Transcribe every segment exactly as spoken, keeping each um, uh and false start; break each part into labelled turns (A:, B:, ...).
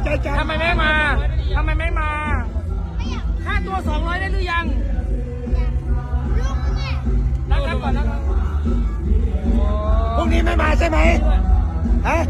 A: ใจจัง
B: ทำไมไม่มาทำไมไม่มาค่าตัวสองร้อยได้หรือยังนั่งนั่งก่อนนั่ง
A: พรุ่งนี้ไม่มาใช่ไหมฮะ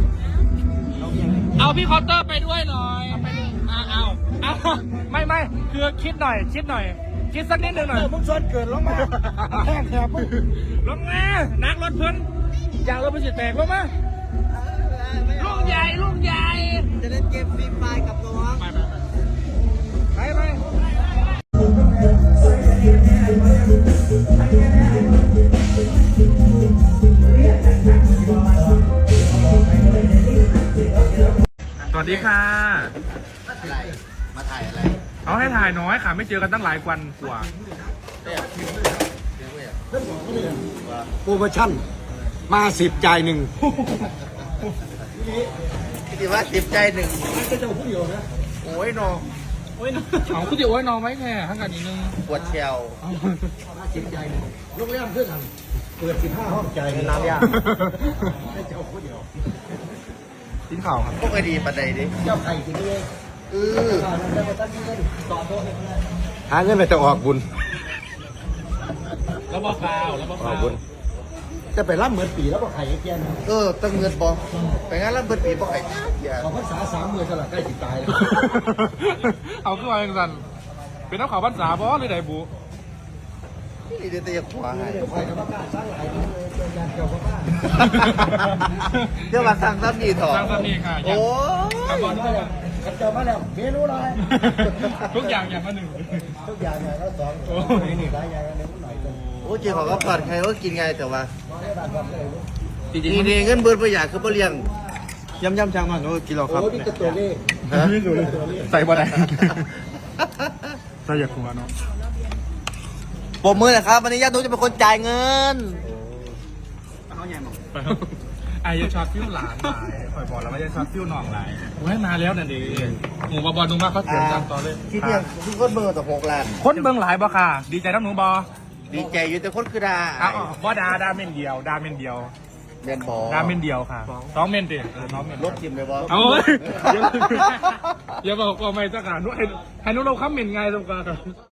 B: เอาพี่คอตเตอร์ไปด้วยหน่อยเอาเอาเอาไม่ไม่คือคิดหน่อย คิดหน่อย คิดสักนิดหนึ่งหน่อย
A: มึงชวนเกิดลงมาแห้งแถบมึง
B: ลงมานักรถเพิ่นอยากรถเพิ่นสิแตกลงมาลูกใหญ่ลูกใหญ่
C: จะเล่นเกมฟรีไฟกับน้อง
B: ไปไปไปไปสวัสดีค่ะ
C: อะไรมาถ่ายอะไร
B: เอาให้ถ่ายน้อยค่ะ ไม่เจอกันตั้งหลายวันกว่า
A: โปรโมชั่นมาสิบจ่ายหนึ่ง
C: คิดว่าสิบใจหนึ่ง
A: จะจะพูดเดียวนะ
C: โอ้ยน้อง
B: โอ้ยเอาคุณติโอ้ยน้องไหมแค่ทั้งกันนิดนึง
C: ปวดเชียว
A: มาสิบจ่ายหนึ่งโรงแรมเพื่อนกันเปิดสิบห้าห้องจ่าย
C: น้ำยา
A: ให้เจ้าพูดเดียว
B: กินข่าวครับ
C: พวกไอดีปันใดดิ
A: เจ้าไข่กินเอง
C: เออ
A: หาเงินไปจะออกบุญ
B: แล้วบอกข่าวแล้วบอก
A: ออ
B: ข่าก ว
A: บุญจะไปรับเหมือนปีแล้วก็ไข่แก่น
C: เออตั้งเงินบอกไปงั้นแล้วเบิดปีบอกไอ้อย่า
A: ขอภาษาสามหมื่นสลักใกล้สิบตายเลย
B: เอาขึ้นมาอย่างนั้นเป็นน้ำข่าวบ้านสาบอหรือไดบู
C: นี่เดี๋ยวจะขวาให้
A: ไข่กับบ้านสร้างหลายนี่เลยเป็นยานเกี่ยวกับบ้าน
C: เดี๋ยวมาสั่งซ้ำนี่ถอด
B: สร้างสนีค่ะ
C: โอ้
B: ทำบอล
A: มาแล้วขันเจอมาแล้วเมนูอะไร
B: ทุกอย่างอย่างละหนึ่ง
A: ทุกอย่างเนี่ยก็สอง
B: โอ้ย
A: นี่หลายอย่างนึงหน่อยกัน
C: โอ้เจ๊ขอก็ปลอดใครก็กินไงแต่ว่า
A: มาได้บ้านวันเลย
B: จริง
C: นี่นี่เงินเบิดประหยัดคือบ่เลี้ยงย่ำย่ำช่างมันโอ้กินเราครับ
A: โอ้นี่ก็ตัวเลข
C: ฮะ
B: ๆใส่บ่ได้ใส่อยากหัวเนาะ
C: ปมมือนะครับวันนี้ญาตินุจะเป็นคนจ่ายเงิน
B: ไอ้ยังช็อตฟิวหลานหลายคอยบอกแล้วว่ายังช็อตฟิวหน่องหลายกูให้มาแล้วนั่นดีหมูบอบอลนุ่มมากเขาเสียงจำต่อเลย
C: คิดเนี่ยคือคนเบอร์ต่อหกล้าน
B: คนเบิ่งหลายบ่ค่ะ ดีใจน้ำหนูบอ
C: ดีใจอยู่แต่คนคือดา
B: อ้าวบ่ดาดาเมนเดียวดาเมนเดียว
C: เรียนบอ
B: ดาเมนเดียวค่ะสองเมนดิเออสองเมน
C: ลบทิมเลยบอ
B: เอาเลย อย่าบอกว่าไม่สักการให้ให้นุเราค้ำเมนไงสงการ